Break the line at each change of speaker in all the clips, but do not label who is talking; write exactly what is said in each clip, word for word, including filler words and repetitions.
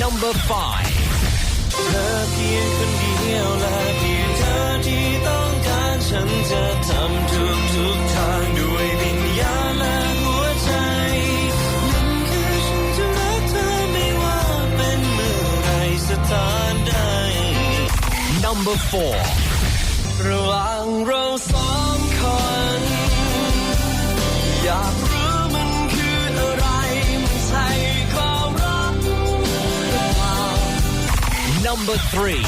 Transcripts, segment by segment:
number five
เธอเพียงคนเดียวและเพียงเธอที่ต้องการฉันจะทำทุกทุกทางด้วยวิญญาณและหัวใจนั่นคือฉันจะรักเธอไม่ว่าเป็นเมื่อไรสถานใด
number four
ระหว่างเราสองคนอยากรู้มันคืออะไรมันใช่ความรักหรือเปล่า
number three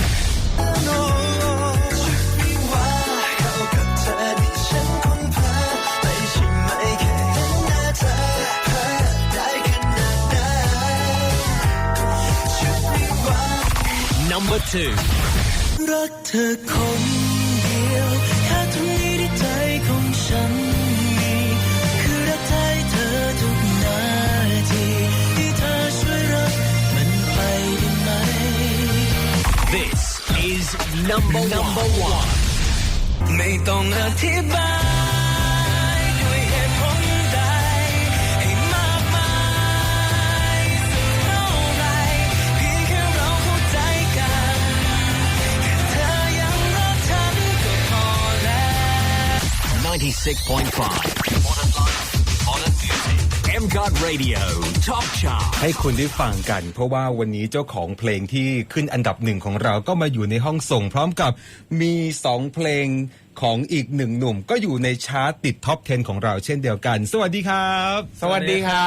คิดว่าเข้ากับเธอที่ฉันคงพาไม่ใช่ไหมแค่เห็นหน้าเธอเธอได้ขนาดนั้นคิดว่า
number two
รักเธอคนเดียวแค่ตรงนี้ที่ใจของฉันมีคือรักเธอเธอทุกนาทีที่เธอช่วยรักมันไปได้ไหม
this is number number one
ไม่ต้องอธิบายด้วยเหตุผลใดให้มากมายสักเท่าไรเพียงแค่เราเข้าใจกันแค่เธอยังรักฉันก็พอแล้ว
ninety-six point five Modern Life Modern Music M C O T Radio Top Chart
ให้คุณได้ฟังกันเพราะว่าวันนี้เจ้าของเพลงที่ขึ้นอันดับหนึ่งของเราก็มาอยู่ในห้องส่งพร้อมกับมีสองเพลงของอีกหนึ่งหนุ่มก็อยู่ในชาร์ตติดท็อปสิบของเราเช่นเดียวกันสวัสดีครับ
สวัสดีครับ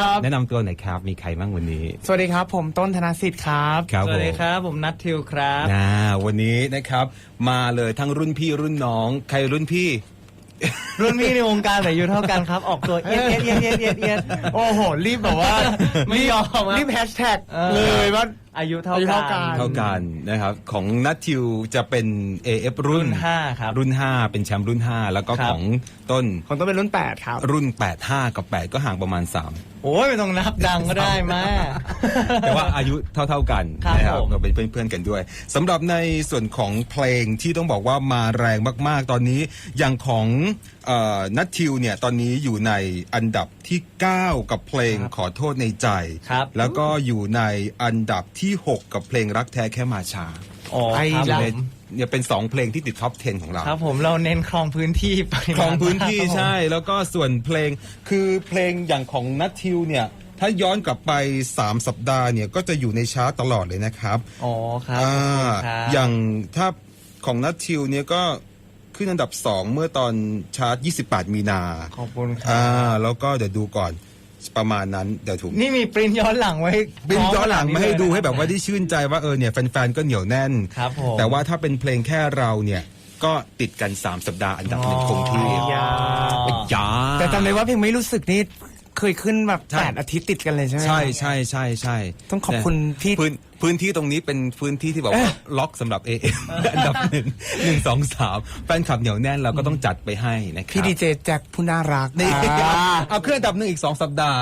แนะนำตัวหน่อยครับมีใครบ้างวันนี้
สวัสดีครับผมต้นธนสิทธิ์ครับ
ครับ
สวัสดีครับผมนัททิวครับ
นะวันนี้นะครับมาเลยทั้งรุ่นพี่รุ่นน้องใครรุ่นพี่
รุ่นพี่ในวงการแต่อายุเท่ากันครับ ออกตัวเอียดเอียดเอียดเอียดเอียดเอียดโอ้โหรีบแบบว่า ไม่ยอมรีบแฮชแท็กเลยว่าอายุเท่ากัน
เท่ากันนะครับของนัททิวจะเป็น เอ เอฟ รุ่น
ห้าครับ
รุ่นห้าเป็นแชมป์รุ่นห้าแล้วก็
ครับ
ของต้น
ของต้นเป็นรุ่นแปดครับ
รุ่นแปด ห้ากับแปดก็ห่างประมาณสาม
โอ้ยไม่ต้องนับดังก็ได้มา
แต่ว่าอายุเท่าๆกัน
ครับ
นะครับ
ผม
ก็เป็นเพื่อนๆกันด้วยสำหรับในส่วนของเพลงที่ต้องบอกว่ามาแรงมากๆ ตอนนี้อย่างของนัททิวเนี่ยตอนนี้อยู่ในอันดับที่เก้ากับเพลงขอโทษในใจ
ครับ
แล้วก็อยู่ในอันดับที่หกกับเพลงรักแท้แค่มาช้า
อ๋อครับ
อยู่
ผ
ใน
ม
เนี่ยเป็นสองเพลงที่ติดท็อปสิบของเรา
ครับผมเราเน้นครองพื้นที่ไป
ครองพื้นที่
ครับผม
ใช่แล้วก็ส่วนเพลงคือเพลงอย่างของนัททิวเนี่ยถ้าย้อนกลับไปสามสัปดาห์เนี่ยก็จะอยู่ในชาร์ตตลอดเลยนะครับ
อ๋อครับ
อ่า
ขอบคุณครับ
อย่างถ้าของนัททิวเนี่ยก็ขึ้นอันดับสองเมื่อตอนชาร์ตยี่สิบแปดมีนา
ขอบคุณครั
อ่า
บ
แล้วก็เดี๋ยวดูก่อนประมาณนั้นเดี๋ยวถูก
นี่มีปริ้นย้อนหลังไว้
บินย้อนหลังมาให้ดูให้แบบว่า
ได้
ได้ชื่นใจว่าเออเนี่ยแฟนๆก็เหนียวแน่น
ครับผม
แต่ว่าถ้าเป็นเพลงแค่เราเนี่ยก็ติดกันสามสัปดาห์อันดับหนึ่งคงที่
ยา
ยา
แต่จำได้ว่าเพลงไม่รู้สึกนี่เคยขึ้นแบบ
ใช่
แปดอาทิตย์ติดกันเลยใช่ไหม
ใช่ใช่ใช่ใช่
ต้องขอบคุณพี่
พื้นพื้นที่ตรงนี้เป็นพื้นที่ที่แบบว่าล็อกสำหรับ เอ เอ็ม อันดับหนึ่งหนึ่งสองสามแฟนคลับเหนียวแน่นเราก็ต้องจัดไปให้นะครับ
พี่ดีเจแจ็คผู้น่ารัก
นี่
อ่า
เอาเครื่องอันดับหนึ่งอีกสองสัปดาห์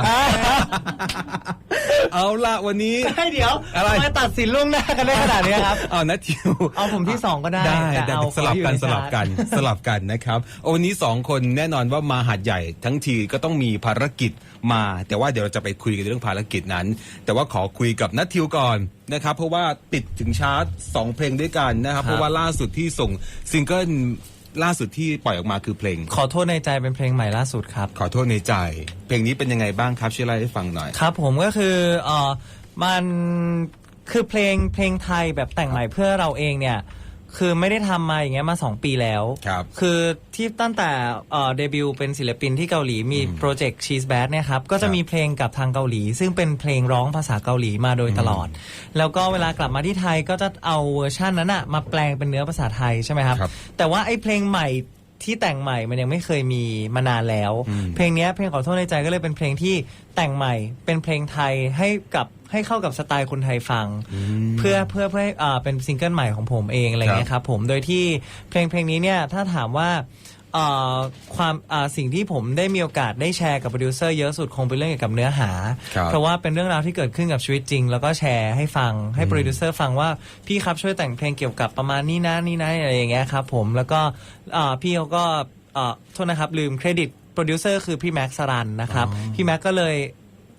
เอาละวันนี้
ให้เดี๋ยว
อะไร
ทำไมตัดสินล่วงหน้ากันได้ขนาดนี้ครับ
เอานัททิว
เอาผมที่สองก็ได้
ได้
แต่
แต่
เอา
สลับกัน
ขออยู่ใน
สลับกันสลับกันนะครับวันนี้สองคนแน่นอนว่ามาหาดใหญ่ทั้งทีก็ต้องมีภารกิจมา แต่ว่าเดี๋ยวเราจะไปคุยกันเรื่องภารกิจนั้น แต่ว่าขอคุยกับนัททิวก่อนนะครับเพราะว่าติดถึงชาร์ตสองเพลงด้วยกันนะครับเพราะว่าล่าสุดที่ส่งซิงเกิลล่าสุดที่ปล่อยออกมาคือเพลง
ขอโทษในใจเป็นเพลงใหม่ล่าสุดครับ
ขอโทษในใจ เพลงนี้เป็นยังไงบ้างครับช่วยเล่าให้ฟังหน่อย
ครับผมก็คือเออมันคือเพลงเพลงไทยแบบแต่งใหม่เพื่อเราเองเนี่ยคือไม่ได้ทำมาอย่างเงี้ยมาสองปีแล้ว
ครับ
คือที่ตั้งแต่เอ่อเดบิวต์เป็นศิลปินที่เกาหลีมีโปรเจกต์ Cheese Bad เนี่ยครับก็จะมีเพลงกับทางเกาหลี ซึ่งเป็นเพลงร้องภาษาเกาหลีมาโดยตลอด แล้วก็เวลากลับมาที่ไทยก็จะเอาเวอร์ชันนั้นอะมาแปลงเป็นเนื้อภาษาไทยใช่ไหมครับ
ครับ
แต่ว่าไอ้เพลงใหม่ที่แต่งใหม่มันยังไม่เคยมีมานานแล้ว เพลงเนี้ยเพลงขอโทษในใจก็เลยเป็นเพลงที่แต่งใหม่เป็นเพลงไทยให้กับให้เข้ากับสไตล์คนไทยฟัง เพื่อเพื่อเพื่อให้อ่าเป็นซิงเกิลใหม่ของผมเองอะไรเงี้ยครับผมโดยที่เพลงเพลงนี้เนี่ยถ้าถามว่าอ่าความอ่าสิ่งที่ผมได้มีโอกาสได้แชร์กับโปรดิวเซอร์เยอะสุดคงเป็นเรื่องเกี่ยวกับเนื้อหา
ครับ
เพราะว่าเป็นเรื่องราวที่เกิดขึ้นกับชีวิตจริง แล้วก็แชร์ให้ฟังให้โปรดิวเซอร์ฟังว่าพี่ครับช่วยแต่งเพลงเกี่ยวกับประมาณนี้นะนี่นะอะไรอย่างเงี้ยครับผมแล้วก็อ่าพี่เขาก็อ่าโทษนะครับลืมเครดิตโปรดิวเซอร์คือพี่แม็กซ์สรันนะครับพี่แม็กก็เลย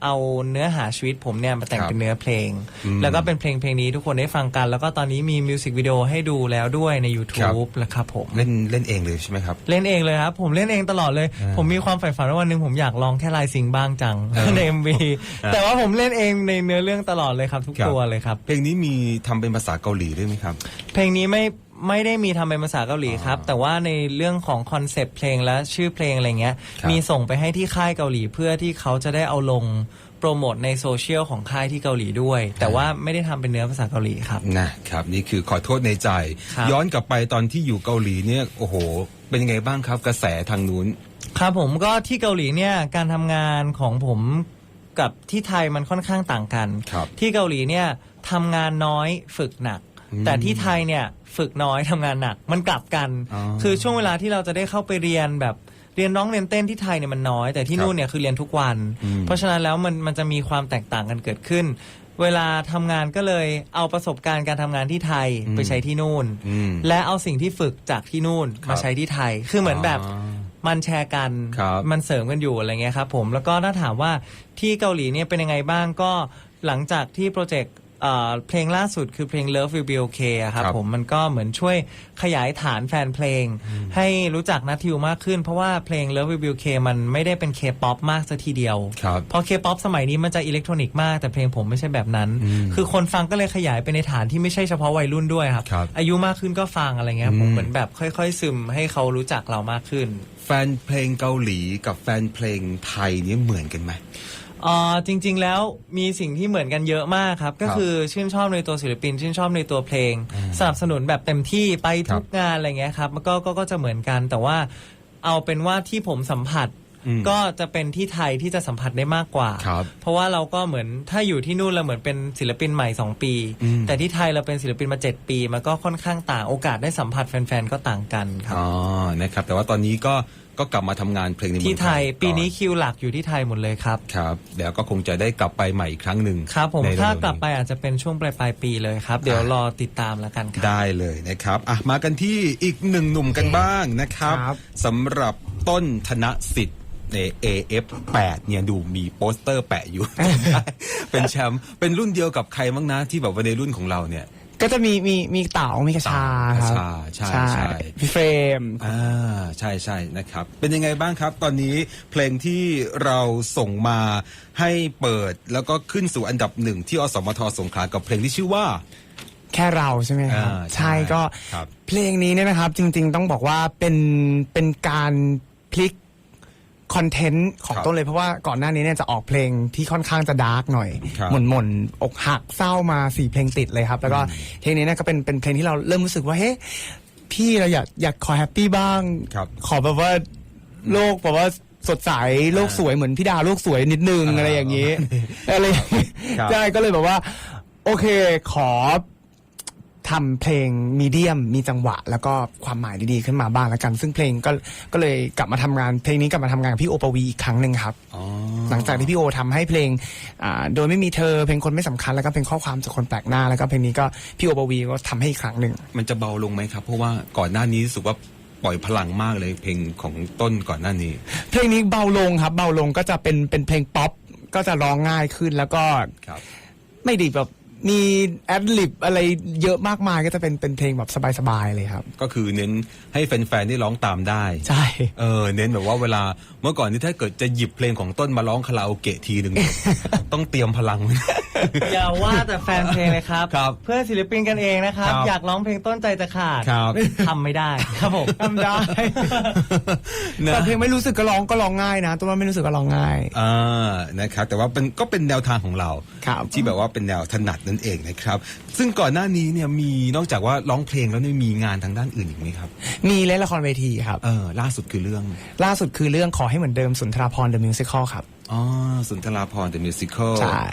เอาเนื้อหาชีวิตผมเนี่ยมาแต่ง
ครับ
เป็นเนื้อเพลง
อืม
แล้วก็เป็นเพลงเพลงนี้ทุกคนได้ฟังกัน แล้วก็ตอนนี้มีมิวสิกวิดีโอให้ดูแล้วด้วยใน YouTube แล้วครับผม
เล่นเล่นเองเลยใช่ไหมครับ
เล่นเองเลยครับ ผมเล่นเองตลอดเลย
อ่า
ผมมีความใฝ่ฝันว่าวันหนึ่งผมอยากลองแค่ลายซิงบ้างจัง
เออ
ใน เอ็ม วี
อ่า
แต่ว่าผมเล่นเองในเนื้อเรื่องตลอดเลยครับ ทุก
ครับ
ตัวเลยครับ
เพลงนี้มีทำเป็นภาษาเกาหลีด้วยไหมครับ
เพลงนี้ไม่ไม่ได้มีทำเป็นภาษาเกาหลีครับ แต่ว่าในเรื่องของคอนเซปต์เพลงและชื่อเพลงอะไรเงี้ย
ครับ
มีส่งไปให้ที่ค่ายเกาหลีเพื่อที่เขาจะได้เอาลงโปรโมทในโซเชียลของค่ายที่เกาหลีด้วย แต่ว่าไม่ได้ทำเป็นเนื้อภาษาเกาหลีครับ
นะครับนี่คือขอโทษในใจ
ครับ
ย้อนกลับไปตอนที่อยู่เกาหลีเนี่ยโอ้โห เป็นยังไงบ้างครับกระแสทางนู้น
ครับผมก็ที่เกาหลีเนี่ยการทำงานของผมกับที่ไทยมันค่อนข้างต่างกัน
ครับ
ที่เกาหลีเนี่ยทำงานน้อยฝึกหนัก
อืม
แต่ที่ไทยเนี่ยฝึกน้อยทำงานหนักมันกลับกัน
อ๋อ
คือช่วงเวลาที่เราจะได้เข้าไปเรียนแบบเรียนร้องเรียนเต้นที่ไทยเนี่ยมันน้อย แต่ที่
ครับ
นู่นเนี่ยคือเรียนทุกวัน
อืม
เพราะฉะนั้นแล้วมันมันจะมีความแตกต่างกันเกิดขึ้น เวลาทำงานก็เลยเอาประสบการณ์การทำงานที่ไทยไปใช้ที่นู่น
อืม
และเอาสิ่งที่ฝึกจากที่นู่น
ครับ
มาใช้ที่ไทย คือเหมือนแบบ
อ๋อ
มันแชร์กัน
ครับ
มันเสริมกันอยู่อะไรเงี้ยครับผม แล้วก็ถ้าถามว่าที่เกาหลีเนี่ยเป็นยังไงบ้างก็หลังจากที่โปรเจกต์เอ่อเพลงล่าสุดคือเพลง Love Will Be Okay อะครับ
ครับ
ผมมันก็เหมือนช่วยขยายฐานแฟนเพลง ให้รู้จักนัททิวมากขึ้น เพราะว่าเพลง Love Will Be Okay มันไม่ได้เป็น K-POP มากซะทีเดียว
ครับ
เพราะ K-POP สมัยนี้มันจะอิเล็กทรอนิกส์มากแต่เพลงผมไม่ใช่แบบนั้น
อืม
คือคนฟังก็เลยขยายไปในฐานที่ไม่ใช่เฉพาะวัยรุ่นด้วยครับ
ครับ
อายุมากขึ้นก็ฟังอะไรเงี้ย
อืม
ผมเหมือนแบบค่อยๆซึมให้เขารู้จักเรามากขึ้น
แฟนเพลงเกาหลีกับแฟนเพลงไทยเนี่ยเหมือนกันไหม
เอ่อจริง ๆ แล้วมีสิ่งที่เหมือนกันเยอะมากครับ ก็คือชื่นชอบในตัวศิลปิน ชื่นชอบในตัวเพลง สนับสนุนแบบเต็มที่ไปทุกงานอะไรเงี้ยครับมันก็ก็ก็จะเหมือนกัน แต่ว่าเอาเป็นว่าที่ผมสัมผัส
อืม
ก็จะเป็นที่ไทยที่จะสัมผัสได้มากกว่า
ครับ
เพราะว่าเราก็เหมือนถ้าอยู่ที่นู่นเราเหมือนเป็นศิลปินใหม่สองปี
อืม
แต่ที่ไทยเราเป็นศิลปินมาเจ็ดปีมันก็ค่อนข้างต่างโอกาสได้สัมผัสแฟนๆก็ต่างกันครับ
อ๋อนะครับแต่ว่าตอนนี้ก็ก็กลับมาทำงานเพลงในเมือง
ที่ไทย
ก่อ
ปีนี้คิวหลักอยู่ที่ไทยหมดเลยครับ
ครับเดี๋ยวก็คงจะได้กลับไปใหม่อีกครั้งหนึ่ง
ครับผม
ในเร็วๆ
ถ้า
นี้
กลับไปอาจจะเป็นช่วงปลายปลายๆปีเลยครับ เดี๋ยวรอติดตามแล้วกันครับ
ได้เลยนะครับอ่ะมากันที่อีกหนึ่งหนุ่มกันบ้างนะครับ
ครับ
สำหรับต้นธนสิทธิ์ใน เอ เอฟ แปดเนี่ยดูมีโปสเตอร์แปะอยู่ เป็นแชมป์เป็นรุ่นเดียวกับใครบ้างนะที่แบบว่าในรุ่นของเราเนี่ย
ก็จะมีมีมีเต๋ามีกระชาครับ
กระชาใช่ใช่
พี่เฟรม
อ่าใช่ใช่นะครับ เป็นยังไงบ้างครับ ตอนนี้เพลงที่เราส่งมาให้เปิดแล้วก็ขึ้นสู่อันดับหนึ่งที่อสมทสงขลากับเพลงที่ชื่อว่า
แค่เราใช่ไหมครับ
อ่าใช่
ใช่ก็
ครับ
เพลงนี้เนี่ยนะครับ จริง ๆ ต้องบอกว่าเป็นเป็นการพลิกคอนเทนต์ของ
ครับ
ต้นเลยเพราะว่าก่อนหน้านี้เนี่ยจะออกเพลงที่ค่อนข้างจะดาร์กหน่อย
ครับ
หม่นหม่นๆอกหักเศร้ามาสี่เพลงติดเลยครับ แล้วก็เพลงนี้เนี่ยก็เป็นเป็นเพลงที่เราเริ่มรู้สึกว่าเฮ้ยพี่เราอยากอยากขอแฮปปี้บ้าง
ครับ
ขอแบบว่าโลกแบบว่าสดใสโลกสวยเหมือนพี่ดาโลกสวยนิดนึง
อ่า
อะไรอย่างนี้ อะไรอย่างนี้
ครับ
ใช่ก็เลยแบบว่า โอเคขอทำเพลงมีเดียมมีจังหวะ แล้วก็ความหมายดีๆขึ้นมาบ้างแล้วกัน ซึ่งเพลงก็ก็เลยกลับมาทำงานเพลงนี้กลับมาทำงานกับพี่โอปวีอีกครั้งหนึ่งครับ
อ๋อ
หลังจากที่พี่โอทำให้เพลงอ่าโดยไม่มีเธอเพลงคนไม่สำคัญแล้วก็เพลงข้อความจากคนแปลกหน้าแล้วก็เพลงนี้ก็พี่โอปวีก็ทำให้อีกครั้งหนึ่ง
มันจะเบาลงไหมครับ เพราะว่าก่อนหน้านี้รู้สึกว่าปล่อยพลังมากเลยเพลงของต้นก่อนหน้านี้
เพลงนี้เบาลงครับเบาลงก็จะเป็นเป็นเพลงป๊อปก็จะร้องง่ายขึ้นแล้วก็
ครับ
ไม่ได้แบบมีแอดลิบอะไรเยอะมากมายก็จะเป็นเป็นเพลงแบบสบายๆเลยครับ
ก็คือเน้นให้แฟนๆได้ร้องตามได้
ใช่
เออเน้นแบบว่าเวลาเมื่อก่อนนี่ถ้าเกิดจะหยิบเพลงของต้นมาร้องคาราโอเกะทีหนึ่ง ต้องเตรียมพลังไว้
อย่าว่าแต่แฟนเพลงเลยครับ
ครับ
เพื่อนศิลปินกันเองนะครับ
ครับ
อยากร้องเพลงต้นใจจะขาด
ครับ
ทำไม่ได้ครับผม
ทำได้
นะ
แต่เพลงไม่รู้สึกก็ร้องก็ร้องง่ายนะตัวว่าไม่รู้สึกก็ร้องง่าย
อ่านะครับแต่ว่าเป็นก็เป็นแนวทางของเรา
ครับ
ที่แบบว่าเป็นแนวถนัดนั่นเองนะครับ ซึ่งก่อนหน้านี้เนี่ยมีนอกจากว่าร้องเพลงแล้วเนี่ยมีงานทางด้านอื่นอีกไหมครับ
มีเล่นละครเวทีครับ
เออล่าสุดคือเรื่อง
ล่าสุดคือเรื่องขอให้เหมือนเดิมสุนทราภรณ์ The Musical ครับ
อ๋อสุนทราภรณ์ The Musical
ใช่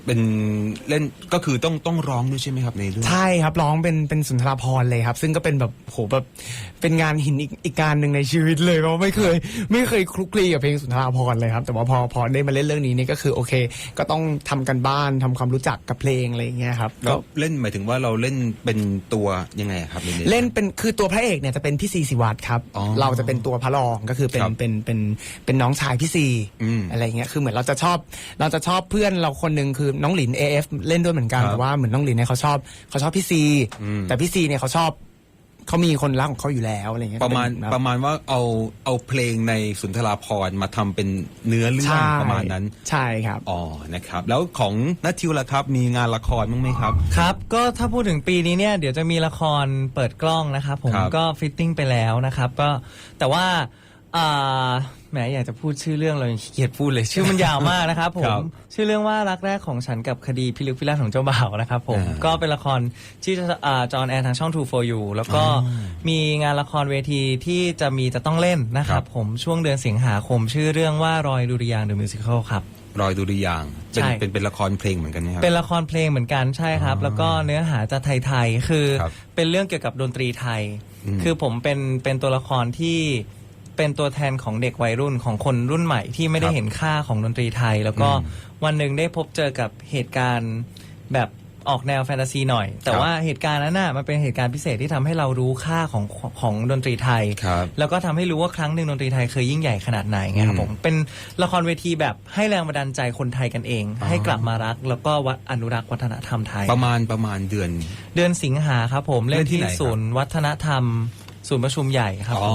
เป็นเล่นก็คือต้องต้องร้องด้วยใช่ไหมครับในเรื่อง
ใช่ครับร้องเป็นเป็นสุนทรภรณ์เลยครับ ซึ่งก็เป็นแบบโหแบบเป็นงานหินอีกอีกการหนึ่งในชีวิตเลยเพราะไม่เคยไม่เคยคลุกคลีกับเพลงสุนทรภรณ์เลยครับแต่ว่าพอพอได้มาเล่นเรื่องนี้นี่ก็คือโอเค ก็ต้องทำกันบ้านทำความรู้จักกับเพลงอะไรอย่างเงี้ยครับ
แล้
ก็
วเล่นหมายถึงว่าเราเล่นเป็นตัวยังไงครับในรื่อง
เล่นเป็นคือตัวพระเอกเนี่ยจะเป็นพี่ซีศิวัตรครับ
อ๋อ
เราจะเป็นตัวพระรองก็คือเป็น
ครับ
เป็นเป็นเป็นน้องชายพี่ซี
อืม
อะไรเงี้ยคือเหมือนเราจะชอบเราจะชอบเพื่อนเราคนหนึ่งคือน้องหลิน เอ เอฟ เล่นด้วยเหมือนกัน
ครับ
แต่ว่าเหมือนน้องหลินเนี่ยเขาชอบเขาชอบพี่ซี
อืม
แต่พี่ซีเนี่ยเขาชอบเขามีคนรักของเขาอยู่แล้วอะไรเงี้ย
ประมาณ
ก็เป็นแบบ
ประมาณว่าเอาเอาเพลงในสุนทราภรณ์มาทำเป็นเนื้อเรื่อง
ใช่
ประมาณนั้น
ใช่ครับ
อ๋อนะครับ แล้วของนัททิวล่ะครับ มีงานละครบ้างไหมครับ
ครับก็ถ้าพูดถึงปีนี้เนี่ยเดี๋ยวจะมีละครเปิดกล้องนะครับผม
ครับ
ก็ฟิตติ้งไปแล้วนะครับก็แต่ว่าอ่าแหมอยากจะพูดชื่อเรื่องเรายังขี้เกียจพูดเลยชื่อมันยาวมากนะครับผ
ครั
ม
บ
ชื่อเรื่องว่ารักแรกของฉันกับคดีพิลึกพิลั่นของเจ้าบ่าวนะครับผม
อ่า
ก็เป็นละครที่จะอ่าจอห์นแอร์ทางช่อง ทู for you แล้วก็มีงานละครเวทีที่จะมีจะต้องเล่นนะค
ครั
รับบ ผมช่วงเดือนสิงหาคมชื่อเรื่องว่ารอยดุริยางค์ The Musical ครับ
รอยดุริยางค์เป็น
ใช่
เป็นเป็นละครเพลงเหมือนกันไหมครับ
เป็นละครเพลงเหมือนกันใช่ครับ แล้วก็เนื้อหาจะไทยๆคือ
ครับ
เป็นเรื่องเกี่ยวกับดนตรีไทย
อืม
คือผมเป็นเป็นตัวละครที่เป็นตัวแทนของเด็กวัยรุ่นของคนรุ่นใหม่ที่ไม่ได้
ครับ
เห็นค่าของดนตรีไทย แล้วก็
อืม
วันหนึ่งได้พบเจอกับเหตุการณ์แบบออกแนวแฟนตาซีหน่อย แต่
ครับ
ว่าเหตุการณ์นั้นน่ะมันเป็นเหตุการณ์พิเศษที่ทำให้เรารู้ค่าของของดนตรีไทย
ครับ
แล้วก็ทำให้รู้ว่าครั้งหนึ่งดนตรีไทยเคยยิ่งใหญ่ขนาดไหนไงครับ
อืม
ผมเป็นละครเวทีแบบให้แรงบันดาลใจคนไทยกันเอง
อ๋อ
ให้กลับมารัก แล้วก็วัดอนุรักษ์วัฒนธรรมไทย
ประมาณประมาณเดือน
เดือนสิงหาครับผม
เล่
เล่
น
น
ที่
ที่
ไหนครับ
ศูนย์วัฒนธรรม ศูนย์ประชุมใหญ่ครับ
อ๋อ
ผม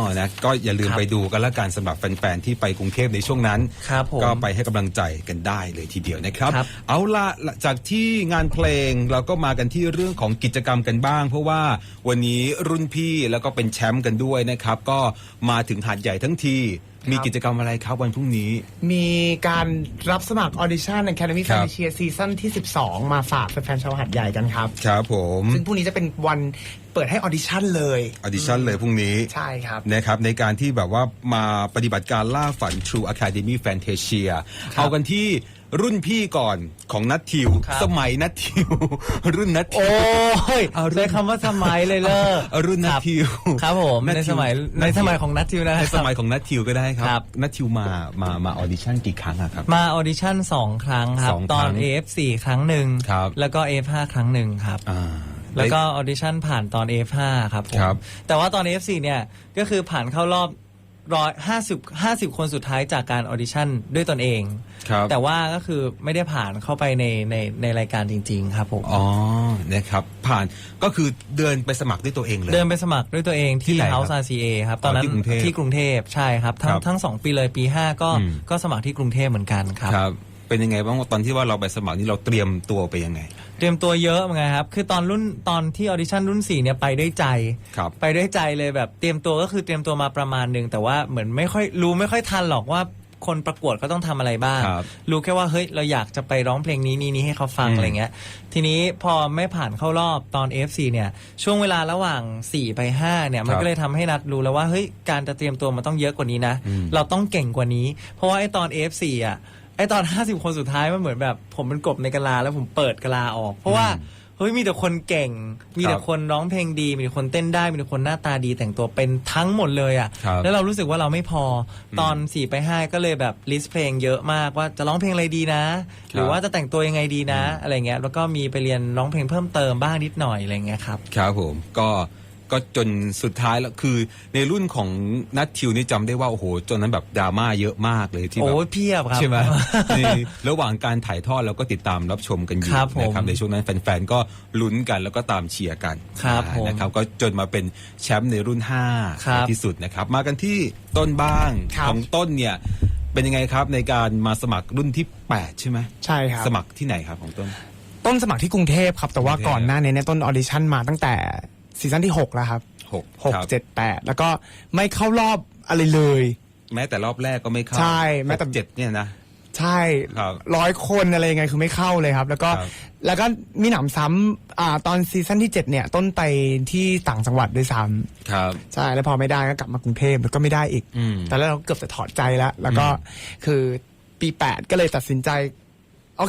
นะ ก็อย่าลืม
ครับ
ไปดูกันละกันสำหรับแฟนๆ ที่ไปกรุงเทพในช่วงนั้น
ครับผม
ก็ไปให้กำลังใจกันได้เลยทีเดียวนะครับ
ครับ
เอาละจากที่งานเพลงเราก็มากันที่เรื่องของกิจกรรมกันบ้าง เพราะว่าวันนี้รุ่นพี่แล้วก็เป็นแชมป์กันด้วยนะครับ ก็มาถึงหาดใหญ่ทั้งที มีกิจกรรมอะไรครับวันพรุ่งนี้
มีการรับสมัครออดิชั่น Academy
ครับ
Fantasia ซีซั่นที่ สิบสอง มาฝากแฟนๆชาวหาดใหญ่กันครับ
ครับผม
ซึ่งพรุ่งนี้จะเป็นวันเปิดให้ออดิชั่นเลย
ออดิชั่นเลยพรุ่งนี้
ใช่ครับ
นะครับในการที่แบบว่ามาปฏิบัติการล่าฝัน True Academy Fantasia เอากันที่รุ่นพี่ก่อนของนัททิว
ครับ
สมัยนัททิว รุ่นนัททิ
โอ้
วย เอารุ่น
ใช้คำว่าสมัยเลยเลอ
เอารุ่นนัททิว
ครับผม
นัท
ใน
ทิว
สมัย
นั
ใน
ททิว
สมัยของนัททิวนะค
ใน
รับ
สมัยของนัททิวก็ได้ค
ครั
รับบ นัททิวมามามาออดิชั่นกี่ครั้งอะครับ
มาออดิชั่นสองครั้งครับ
สอง
ต
ค
อ
รั้
น
ง
เอ เอฟ สี่ ครั้งหนึ่ง
ครับ
แล้วก็ เอ เอฟ ห้า ครั้งหนึ่งครับ
อ่า
แล้วก็ออดิชั่นผ่านตอน เอ เอฟ ห้า ครับผม
ครับ
แต่ว่าตอน เอ เอฟ สี่ เนี่ยก็คือผ่านเข้ารอบร้อยห้าสิบห้าสิบคนสุดท้ายจากการออดิชั่นด้วยตนเอง
ครับ
แต่ว่าก็คือไม่ได้ผ่านเข้าไปในในในรายการจริง ๆ ครับผม
อ๋อนะครับผ่านก็คือเดินไปสมัครด้วยตัวเองเลย
เดินไปสมัครด้วยตัวเอง
ที่
ที่
ไหนครับ
House อาร์ ซี เอ ครับตอนนั้น
ที่กรุงเทพ
ที่กรุงเทพใช่ครับทั้ง
ครับ
ทั้งสองปีเลยปีห้าก็
อืม
ก็สมัครที่กรุงเทพเหมือนกันครับ
ครับ เป็นยังไงบ้างตอนที่ว่าเราไปสมัครนี่เราเตรียมตัวไปยังไง
เตรียมตัวเยอะเหมือนกันครับ คือตอนรุ่นตอนที่ออดิชั่นรุ่นสี่เนี่ยไปด้วยใจ
ครับ
ไปด้วยใจเลยแบบเตรียมตัวก็คือเตรียมตัวมาประมาณหนึ่งแต่ว่าเหมือนไม่ค่อยรู้ไม่ค่อยทันหรอกว่าคนประกวดก็ต้องทำอะไรบ้าง
ครับ
รู้แค่ว่าเฮ้ยเราอยากจะไปร้องเพลงนี้นี้นี้ให้เขาฟัง
อืม
อะไรเงี้ย ทีนี้พอไม่ผ่านเข้ารอบตอน เอ เอฟ ซี เนี่ยช่วงเวลาระหว่างสี่ไปห้าเนี่ยมัน
ครับ
ก็เลยทำให้นัดรู้แล้วว่าเฮ้ยการจะเตรียมตัวมันต้องเยอะกว่านี้นะ
อืม
เราต้องเก่งกว่านี้ เพราะว่าไอ้ตอน เอ เอฟ ซี อ่ะไอ้ตอน ห้าสิบ คนสุดท้ายมันเหมือนแบบผมเป็นกบในกะลาแล้วผมเปิดกะลาออก เพราะว่าเฮ้ยมีแต่คนเก่ง มีแต่คนร้องเพลงดี มีแต่คนเต้นได้ มีแต่คนหน้าตาดีแต่งตัวเป็นทั้งหมดเลยอ่ะ
ครับ
แล้วเรารู้สึกว่าเราไม่พอตอนสี่ไปห้าก็เลยแบบลิสต์เพลงเยอะมากว่าจะร้องเพลงอะไรดีนะ หรือว่าจะแต่งตัวยังไงดีนะ อะไรเงี้ยแล้วก็มีไปเรียนร้องเพลงเพิ่มเติมบ้างนิดหน่อยอะไรเงี้ยครับ
ครับผมก็ก็จนสุดท้ายแล้วคือในรุ่นของนัททิวนี่จำได้ว่าโอ้โหจนนั้นแบบดราม่าเยอะมากเลยที่แบบ
โอ้ยเพียบครับ
ใช่ไหม ในระหว่างการถ่ายทอดเราก็ติดตามรับชมกันอยู่
ครับผม
นะครับในช่วงนั้นแฟนๆก็ลุ้นกันแล้วก็ตามเชียร์กัน
ครับผม
นะครับก็จนมาเป็นแชมป์ในรุ่นห้า
ครับ
ในที่สุดนะครับ มากันที่ต้นบ้าง
ครับ
ของต้นเนี่ยเป็นยังไงครับในการมาสมัครรุ่นที่แปดใช่ไหม
ใช่ครับ
สมัครที่ไหนครับของต้น
ต้นสมัครที่กรุงเทพครับ แต่ว่าก
รุงเทพ
ก่อนหน้านี้เนี่ยต้นออดิชั่นมาตั้งแต่ซีซั่นที่หกแล้วครับ
หก
หก
ครับ
เจ็ดแปดแล้วก็ไม่เข้ารอบอะไรเลย
แม้แต่รอบแรกก็ไม่เข้า
ใช่แม้แต่
หกเจ็ดเนี่ยนะ
ใช่
ครับ
ร้อยคนอะไรยังไงคือไม่เข้าเลยครับ แล้วก็
ครับ
แล้วก็มีหนำซ้ำอ่าตอนซีซั่นที่เจ็ดเนี่ย ต้นไปที่ต่างจังหวัดด้วยซ้
ครับ
ำใช่แล้วพอไม่ได้ก็กลับมากรุงเทพแล้วก็ไม่ได้อีก
อืม
แต่แล้วเราเกือบจะถอดใจแล้ว แล้วก็คือปีแปดก็เลยตัดสินใจ โอเค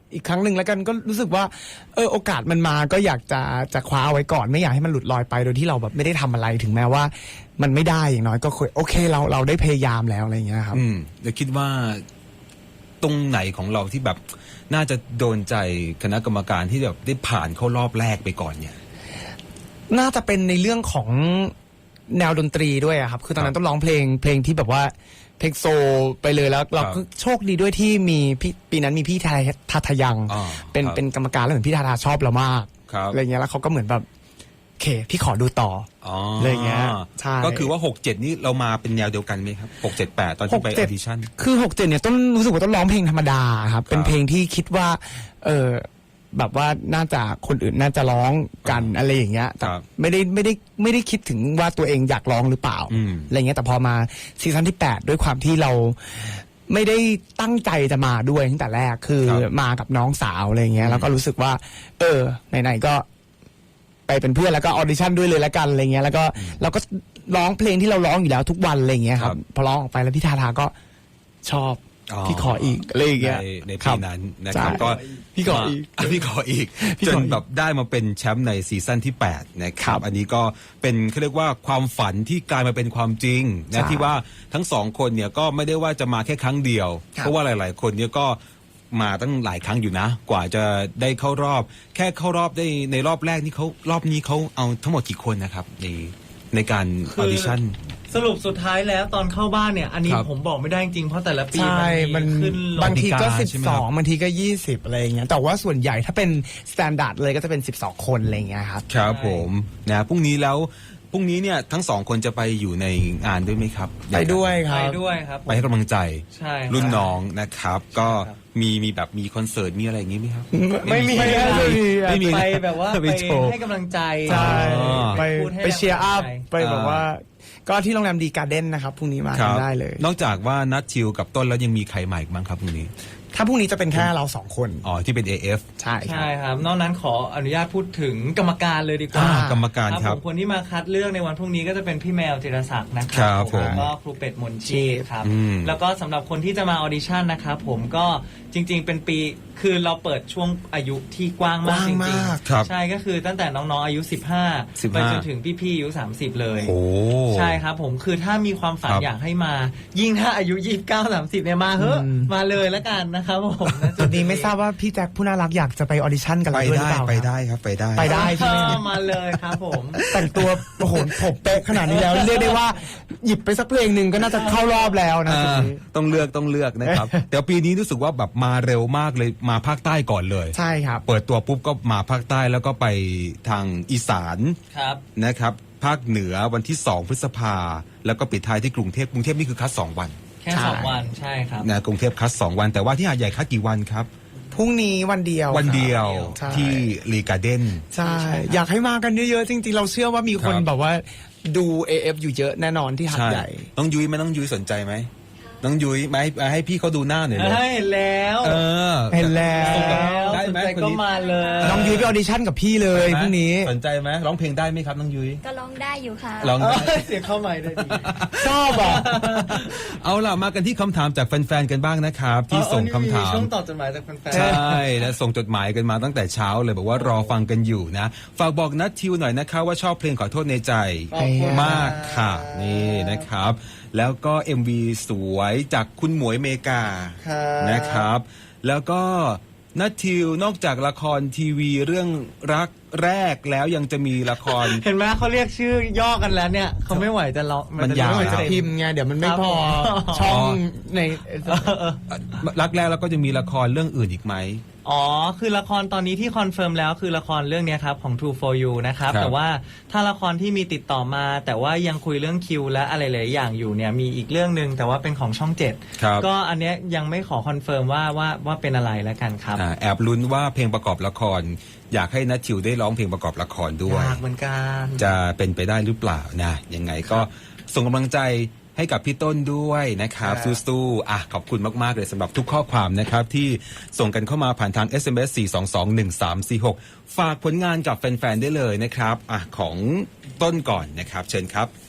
อีกครั้งหนึ่งแล้วกันก็รู้สึกว่าเออโอกาสมันมาก็อยากจะจะคว้าเอาไว้ก่อนไม่อยากให้มันหลุดลอยไปโดยที่เราแบบไม่ได้ทำอะไรถึงแม้ว่า มันไม่ได้อย่างน้อยก็โอเคเราเราได้พยายามแล้วอะไรอย่างเงี้ยครับ
อืมเดี๋ยวคิดว่าตรงไหนของเราที่แบบน่าจะโดนใจคณะกรรมการที่แบบได้ผ่านเข้ารอบแรกไปก่อนเนี่ย
น่าจะเป็นในเรื่องของแนวดนตรีด้วยอะครับ คือตอนนั้นต้องร้องเพลงเพลงที่แบบว่าเพลงโซไปเลยแล้วเราก็โชคดีด้วยที่มีพี่ปีนั้นมีพี่ทาทาทายัง
อ่า
เป็น
ครับ
เป็นกรรมการแล้วเหมือนพี่ทาทาชอบเรามาก
ครับ
อะไรเงี้ยแล้วเขาก็เหมือนแบบโอเคพี่ขอดูต่อ
อ๋อ
เลยเงี้ยใช่
ก็คือว่าหกเจ็ดนี่เรามาเป็นแนวเดียวกันไหมครับหกเจ็ดแปดตอนที่ไปอ
หกเจ็
อ
ด
ดิชั่น
คือหกเจ็ดเนี่ยต้นรู้สึกว่าต้องร้องเพลงธรรมดาครับ เป็นเพลงที่คิดว่า เออแบบว่าน่าจะคนอื่นน่าจะร้องกันอะไรอย่างเงี้ยแต่
ครับ
ไม่ได้ไม่ได้ไม่ได้คิดถึงว่าตัวเองอยากร้องหรือเปล่า
อืม
อะไรเงี้ยแต่พอมาซีซั่นที่แปดด้วยความที่เราไม่ได้ตั้งใจจะมาด้วยตั้งแต่แรกคือ
ครับ
มากับน้องสาวอะไรเงี้ยแล้วก็รู้สึกว่า เออไหนๆก็ไปเป็นเพื่อนแล้วก็ออดิชั่นด้วยเลยแล้วกันอะไรเงี้ยแล้วก็เราก็ร้องเพลงที่เราร้องอยู่แล้วทุกวันอะไรเงี้ยครับพอร้องออกไปแล้วพี่ทาทาก็ชอบ
อ๋อ
พี่ขออีกอะไรอย่างเงี้ย
ในใน
ครั
ปี
บ
นั้นนะครับ
ใช่
ก็
พี่ขออีก
มาพี่ขออีก
พี่
จ
ข
น
ออีก
แบบได้มาเป็นแชมป์ในซีซั่นที่แปดนะค
ครั
รับ
บ
อันนี้ก็เป็นเขาเรียกว่าความฝันที่กลายมาเป็นความจริง
ใช่
นะที่ว่าทั้งสองคนเนี่ยก็ไม่ได้ว่าจะมาแค่ครั้งเดียว
ครับ
เพราะว่าหลาย ๆ คนเนี่ยก็มาตั้งหลายครั้งอยู่นะ กว่าจะได้เข้ารอบ แค่เข้ารอบได้ในรอบแรกนี่เขารอบนี้เขาเอาทั้งหมดกี่คนนะครับในในการอ
คือ
อดิชั่น
สรุปสุดท้ายแล้วตอนเข้าบ้านเนี่ย อันนี้
ครับ
ผมบอกไม่ได้จริงๆเพราะแต่ละปี
ใช่มัน
ขึ้นล
บาง
ง
ทีก็
กติกา
สิบ
ใช่ไหม
ส
ครั
อง
บ
บางทีก็ยี่สิบอะไรอย่างเงี้ยแต่ว่าส่วนใหญ่ถ้าเป็นสแตนดาร์ดเลยก็จะเป็นสิบสองคนอะไรอย่างเงี้ยครับ
ครับผมนะพรุ่งนี้แล้วพรุ่งนี้เนี่ยทั้งสองคนจะไปอยู่ในงานด้วยไหมครับ
ไปด้วยค
ไป
รับ
ด้วยครับผม
ไปให้กำลังใจ
ใช่ครับ
รุ่นน้องนะครับ ก็
ครับ
มีมีแบบมีคอนเสิร์ตมีอะไรอย่างงี้ไหมครับ
ไม่มี
ไม่มี
ไม่มี
ไปแบบว่า
ไป
ไป
โชว์
ให้กำลังใจ
ใช่
อ๋อ
ไป
พูดให้
ไปเชียร์อัพ
กำลังใจ
ไปแบบว่า ก็ที่โรงแรมดีการ์เด้นนะครับพรุ่งนี้มา
ค
กั
รั
น
บ
ได้เลย
นอกจากว่านัดชิวกับต้นแล้วยังมีใครใหม่อีกบ้างครับพรุ่งนี้
ถ้าพรุ่งนี้จะเป็นแค่เราสองคน
อ๋อที่เป็น เอ เอฟ
ใช่ครั
ใช่
บ
ครับ นอกนั้นขออนุญาตพูดถึงกรรมการเลยดีกว่า
อ่ากรรมการครับ
ผมคนที่มาคัดเลือกในวันพรุ่งนี้ก็จะเป็นพี่แมวจิรศักดิ์นะค
ครั
รับ
ผม
แล้วก็ครูเป็ดมนชีพครับ
อืม
แล้วก็สำหรับคนที่จะมาออดิชั่นนะครับผมก็จริง ๆ เป็นปีคือเราเปิดช่วงอายุที่กว้างมาก
กว้าง
จริง
มาก
ครับ
ๆใช่ก็คือตั้งแต่น้องๆอายุ สิบห้า
สิบ
ไป
ห้า
จนถึงพี่ๆอายุสามสิบเลย
โอ้
ใช่ครับผมคือถ้ามีความฝัน
ครับ
อยากให้มา ยิ่งถ้าอายุยี่สิบเก้า สามสิบเนี่ยมาเฮ้อะ
อืม
มาเลยแล้วกันนะครับผมณ
จุดนี้ไม่ทราบว่าพี่แจ็คผู้น่ารักอยากจะไปออดิชั่นกับ
ไป
เราด้วยหรือ
ได้
เปล่า
ไป
ครับ
ได้ครับไปได้
ไปได้ใช่ไหม
เออมาเลยครับผม
แต่งตัวโอ้โหผมเป๊ะขนาดนี้แล้ว เรียกได้ว่าหยิบไปสักเพลงหนึ่งก็น่าจะเข้ารอบแล้วนะ
อ่า
จุดนี้
ต้องเลือกต้องเลือกนะครับ แต่ปีนี้รู้สึกว่าแบบมาเร็วมากเลยมาภาคใต้ก่อนเลย
ใช่ครับ
เปิดตัวปุ๊บก็มาภาคใต้แล้วก็ไปทางอีสาน
ครับ
นะครับภาคเหนือวันที่สองพฤษภาแล้วก็ปิดท้ายที่กรุงเทพกรุงเทพนี่คือคัดสองวัน
แค่
ใช่
สองวันใช่ครับ
นะกรุงเทพคัดสองวัน แต่ว่าที่หาดใหญ่คัดกี่วันครับ
พรุ่งนี้วันเดียว
วันเดียว
ใช่
ที่รีการ์เด้น
ใช่ อยากให้มากันเยอะๆ จริงๆ เราเชื่อว่ามีคน
ครับ
แบบว่าดู เอ เอฟ อยู่เยอะแน่นอนที่หัด
ใช่
ใหญ่
น้องยุ้ยไหมน้องยุ้ยสนใจไหมน้องยุ้ยมาให้มาให้พี่เขาดูหน้าหน่อยเลย
เฮ้ยแล้ว
เออ
เห็นแล้ว
แล้ว
ได้
สน
ไหม
ใจ
คน
ก็
นี้
มาเลย
น้องยุ้ยไปออดิชั่นกับพี่เลยพรุ่งนี้
สนใจไหมร้องเพลงได้ไหมครับน้องยุ้ย
ก็ร้องได้อยู่ค่ะ
ร้อง
เอ
ได้
อเสียงเข้าใหม่ได้ดี
ชอบอ่ะ
เอาล่ะมากันที่คำถามจากแฟนๆกันบ้างนะครับ ที่ส่งคำถาม
ช่วงตอบจดหมายจากแฟนๆ
ใช่นะส่งจดหมายกันมาตั้งแต่เช้าเลยบอกว่ารอฟังกันอยู่นะ ฝากบอกนัททิวหน่อยนะคะว่าชอบเพลงขอโทษในใจ
ขอบคุณ
มากค่ะนี่นะครับ แล้วก็ เอ็ม วี สวยจากคุณหมวยเมกา
ครับ
นะครับ แล้วก็นัททิวนอกจากละครทีวีเรื่องรักแรกแล้วยังจะมีละคร
เห็นไหมเขาเรียกชื่อย่อกันแล้วเนี่ยเขาไม่ไหวจะร้อง
มันยาว
จะ
ไม่
เรีก
จะ
เต็
พิมพ์ไงเดี๋ยวมันไม่พอ
ครับผม
ช่องใน
รักแรกแล้วก็จะมีละครเรื่องอื่นอีกไหม
อ๋อ คือละครตอนนี้ที่คอนเฟิร์มแล้วคือละครเรื่องเนี้ยครับของ True for You นะครับ
ครับ
แต่ว่าถ้าละครที่มีติดต่อมา แต่ว่ายังคุยเรื่องคิวและอะไรหลายอย่างอยู่เนี่ยมีอีกเรื่องหนึ่งแต่ว่าเป็นของช่องเจ็ด
ครับ
ก็อันเนี้ยยังไม่ขอคอนเฟิร์มว่าว่าว่าเป็นอะไรแล้วกันครับ
อ่าแอบลุ้นว่าเพลงประกอบละคร อยากให้นัททิวได้ร้องเพลงประกอบละครด้วย
ยากเหมือนกัน
จะเป็นไปได้หรือเปล่านะยังไงก็ส่งกำลังใจให้กับพี่ต้นด้วยนะครับ
ครับ
สู้ๆอ่ะขอบคุณมากๆเลยสำหรับทุกข้อความนะครับ ที่ส่งกันเข้ามาผ่านทาง เอส เอ็ม เอส สี่ สอง สอง หนึ่ง สาม สี่ หก ฝากผลงานกับแฟนๆได้เลยนะครับอ่ะของต้นก่อนนะครับ เชิญครับ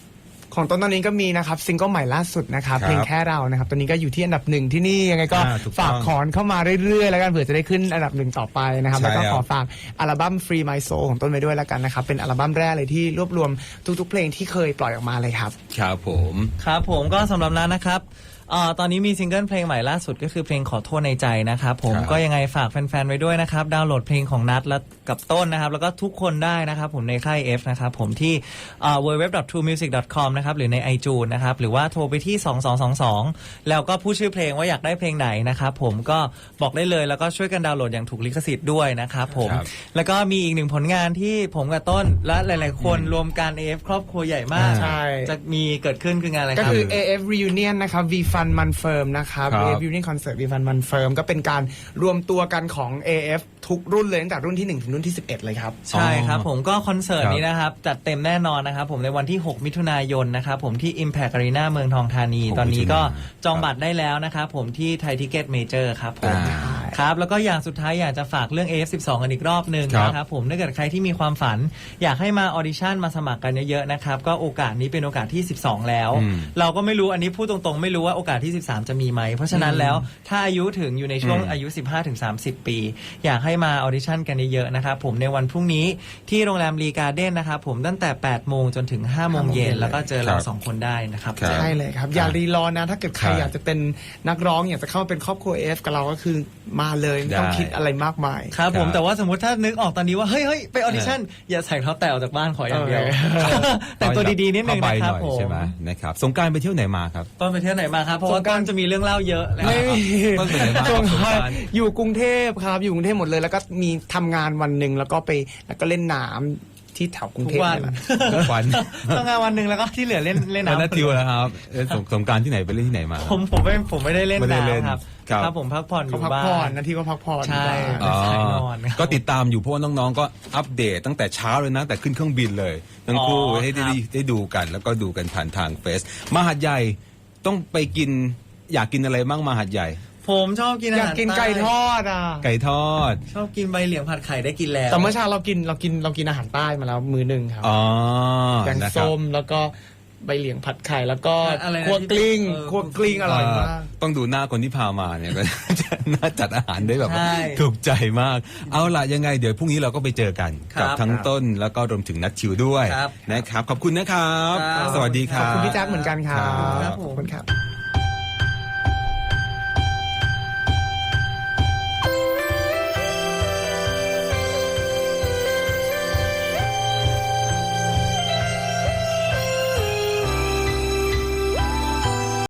ของต้นตอนนี้ก็มีนะครับซิงเกิลใหม่ล่าสุดนะครับ
ครับ
เพลงแค่เรานะครับตอนนี้ก็อยู่ที่อันดับหนึ่งที่นี่ยังไงก็
อ่าถูกต้อง
ฝากขอนเข้ามาเรื่อยๆแล้วกันเผื่อจะได้ขึ้นอันดับหนึ่งต่อไปนะครับ
ใช่
แล้วก็
ครับ
ขอฝากอัลบั้ม Free My Soul ของต้นไปด้วยแล้วกันนะครับเป็นอัลบั้มแรกเลยที่รวบรวมทุกๆเพลงที่เคยปล่อยออกมาเลยครับ
ครับผม
ครับผมก็สำหรับนั้นนะครับเอ่อตอนนี้มีซิงเกิลเพลงใหม่ล่าสุดก็คือเพลงขอโทษในใจนะครับผม
ครับ
ก็ยังไงฝากแฟนๆไว้ด้วยนะครับดาวน์โหลดเพลงของนัทและกับต้นนะครับแล้วก็ทุกคนได้นะครับผมในค่าย F นะครับผมที่เอ่อ ดับเบิลยู ดับเบิลยู ดับเบิลยู ดอท ทรู มิวสิก ดอท คอม นะครับหรือใน iTunes นะครับหรือว่าโทรไปที่สองสองสองสองแล้วก็พูดชื่อเพลงว่าอยากได้เพลงไหนนะครับผมก็บอกได้เลยแล้วก็ช่วยกันดาวน์โหลดอย่างถูกลิขสิทธิ์ด้วยนะครับผม
ครับ
แล้วก็มีอีกหนึ่งผลงานที่ผมกับต้นและหลายๆคนรวมกัน เอ เอฟ ครอบครัวใหญ่มาก
ใช่
จะมีเกิดขึ้นคืองานอะไรค
ก็
รับ
คือ เอ เอฟ Reunion นะครับ V Fun Man Firm นะครับ
ครับ
เอ เอฟ Reunion Concert V Fun Man Firm ก็เป็นการรวมตัวกันของ เอ เอฟ ทุกรุ่นเลยตั้งแต่รุ่นที่หนึ่งถึงรุ่นที่สิบเอ็ดเลยครับ
ใช่ครับผมก็คอนเสิร์ต
ครับ
นี้นะครับ จัดเต็มแน่นอนนะครับผมในวันที่ หก มิถุนายนนะครับผมที่ Impact Arena เมืองทองธานี
หก
ตอนนี้ก็
มิถุนายน
จองบัตรได้แล้วนะครับผมที่ไทยทิเก็ตเมเจอร์ครับผม
อ่า
ครับแล้วก็อย่างสุดท้ายอยากจะฝากเรื่อง เอ เอฟ สิบสอง กันอีกรอบหนึ่ง
ครับ
นะครับผมถ้าเกิดใครที่มีความฝัน อยากให้มาออดิชั่นมาสมัครกันเยอะๆนะครับก็โอกาสนี้เป็นโอกาสที่ สิบสอง แล้ว
อืม
เราก็ไม่รู้อันนี้พูดตรงๆ ไม่รู้ว่าโอกาสที่ สิบสาม จะมีไหมเพราะฉะนั้นแล้วถ้าอายุถึงอยู่ในช่วง
อืม
อายุ สิบห้าถึงสามสิบ ปี อยากให้มาออดิชั่นกันเยอะๆนะครับผมในวันพรุ่งนี้ที่โรงแรมรีการ์เด้นนะครับผมตั้งแต่ แปด โมงจนถึง ห้า โมงเย็นแล้วก็เจอเรา
ครับ
สองคนได้นะครับ
ครับ
ใช่เลยครับ อย่ารีรอนะ ถ้าเกิดใคร
ใช่
อยากจะเป็นนักร้องอยากจะเข้ามาเป็นครอบครัว เอ เอฟ กับเราก็คือมาเลยไม่ต้อง
ได้
คิดอะไรมากมาย
ครับผม
ครับ
แต่ว่าสมมติถ้านึกออกตอนนี้ว่าเฮ้ยเฮ้ยไปออดิชั่นอย่าใส่เท้าแตะออกจากบ้านขออย่างเดียว
เออ
แต่งตัวดีๆนิดนึง
เข้าไป
นะครับ
หน่อย
ผม
ใช่ไหมนะครับสงกรารไปเที่ยวไหนมาครับ
ต้นไปเที่ยวไหนมาครับเพราะว่า
สงก
ต้
ราน ต์
จะมีเรื่องเล่าเยอะนะ
ไม่มี
ต้นไปไหนมา
ช่วง
สงกรานต์
อยู่กรุงเทพครับ อยู่กรุงเทพหมดเลย แล้วก็มีทำงานวันหนึ่งแล้วก็ไปแล้วก็เล่นน้ำที่แถวกรุง
ทุ
เท
ก
พ
วัน
นี่แหละ
ทุกวัน
ทำงานวันหนึ่งแล้วก็ที่เหลือเล่นเล่น
แล้ว
น้ำ
นัททิวนะครับเล่นสงสงกรารที่ไหนไปเล่นที่ไหนมา
ผมผมไม่ผมไม่ได้เล่น
ไม่ได้เล่น
น้ำครับ
ครับ
ครับผมพักผ่อนอ
เขา
ยู่
พัก
บ้า
ผ่อน
น
นะที่ว่าพักผ่อน
ใช่
อยู่บ้าน
อ๋อ
สายนอนครับ
ก็ติดตามอยู่เพราะว่าน้องๆก็อัปเดตตั้งแต่เช้าเลยนะแต่ขึ้นเครื่องบินเลยทั้งคู่
อ๋อ
ให้ได้
ครับ
ได้ดูกัน แล้วก็ดูกันผ่านทางเฟซมหาดใหญ่ต้องไปกินอยากกินอะไรบ้างมหาดใหญ่
ผมชอบกินอา
อยาก
หาร
กินไก่ทอดอ่ะ
ไก่ทอด
ชอบกินใบเหลียงผัดไข่ได้กินแล้ว
แต่เมื่อเช้าเรากินเรากินเรากินอาหารใต้มาแล้วมือหนึ่งครับ
อ๋อ
แกง
นะครับ
ส้มแล้วก็ใบเหลียงผัดไข่แล้วก็
อะไรนะ
คั่วกลิ้ง
ที่เออ
คั่วกลิ้งอร่อยมาก
ต้องดูหน้าคนที่พามาเนี่ย ก็จะน่าจัดอาหารได้แบบว่า
ใช่
ถูกใจมาก เอาล่ะยังไงเดี๋ยวพรุ่งนี้เราก็ไปเจอกัน
ครับ
กัทั้งต้นแล้วก็รวมถึงนัทชิวด้วย
ครับ
นะครับ ขอบคุณนะครับ
ครับ
สวัสดีค
ข
รั
อบบ คุณพี่แจ๊คเหมือนกันครับ
ครับ
ขอบคุณครับ